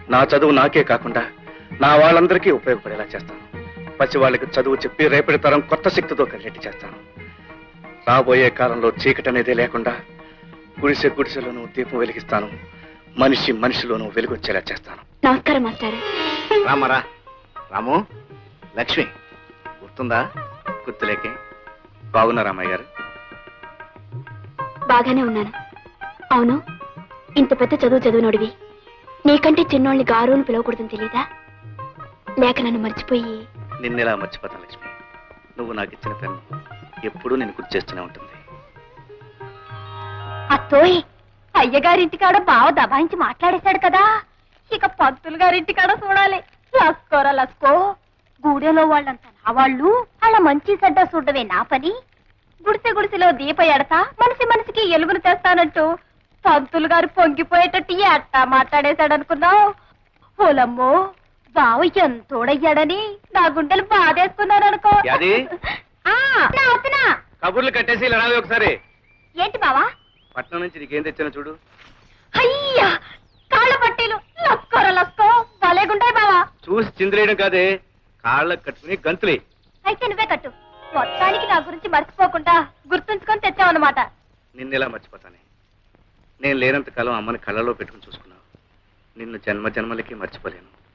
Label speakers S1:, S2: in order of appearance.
S1: నా చదువు నాకే కాకుండా నా వాళ్ళందరికీ ఉపయోగపడేలా చేస్తాను. పసి వాళ్ళకి చదువు చెప్పి రేపటి తరం కొత్త శక్తితో కలిగేట్టు చేస్తాను. రాబోయే కాలంలో చీకటి అనేదే లేకుండా గుడిసె గుడిసెలోనూ దీపం వెలిగిస్తాను. మనిషి మనిషిలోనూ వెలుగొచ్చేలా చేస్తాను.
S2: నమస్కారం మాస్టర్.
S3: రామరా రాము, లక్ష్మి గుర్తుందా?
S1: గుర్తులేకే. బాగున్నారా అమ్మాయి గారు?
S2: బాగానే ఉన్నాను. అవును, ఇంత పెద్ద చదివినోడివి నీకంటే చిన్నోళ్ళని గారుని పిలవకూడదని తెలీదా? లేక నన్ను మర్చిపోయి?
S1: నిన్నెలా మర్చిపోతాను లక్ష్మి? నువ్వు నాకు ఇచ్చిన పెన్ను ఎప్పుడూ నేను గుర్తు చేస్తూనే ఉంటుంది.
S2: అత్తోయ్, అయ్యగారింటికాడ బావ దబాయించి మాట్లాడేశాడు కదా, ఇక పంతులు గారింటికాడ చూడాలి. లస్కోరా లస్కో, గూడెలో వాళ్ళంతా నా వాళ్ళు, అలా మంచి చెడ్డ చూడవే నా పని. గుడిసె గుడిసెలో దీప ఎడతా మనిషి మనిషికి ఎలుగులు తెస్తానంటూ పంతులు గారు పొంగిపోయేటట్టు ఎట్టా మాట్లాడేశాడనుకున్నావు? ఓలమ్మో, బావ ఎంతోడయ్యాడని నా గుండెలు బాధేసుకున్నారనుకో.
S1: కబుర్లు కట్టేసి ఇలా రావే ఒకసారి.
S2: ఏంటి బావా?
S1: పట్నం నుంచి నీకేం తెచ్చానో చూడు.
S2: అయ్యా, కాళ్ళ పట్టీలు లస్కోర లస్కో భలేగుంటాయి బావా.
S1: చూసి చిందిరేయడం కాదే, కాళ్ళకు కట్టుకుని గంతులే.
S2: అయితే నువ్వే కట్టు. మొత్తానికి నా గురించి మర్చిపోకుండా గుర్తుంచుకొని తెచ్చావన్నమాట.
S1: నిన్నెలా మర్చిపోతానే? నేను లేనంత కాలం అమ్మని కళ్ళలో పెట్టుకుని చూసుకున్నావు. నిన్ను జన్మ జన్మలకి మర్చిపోలేను.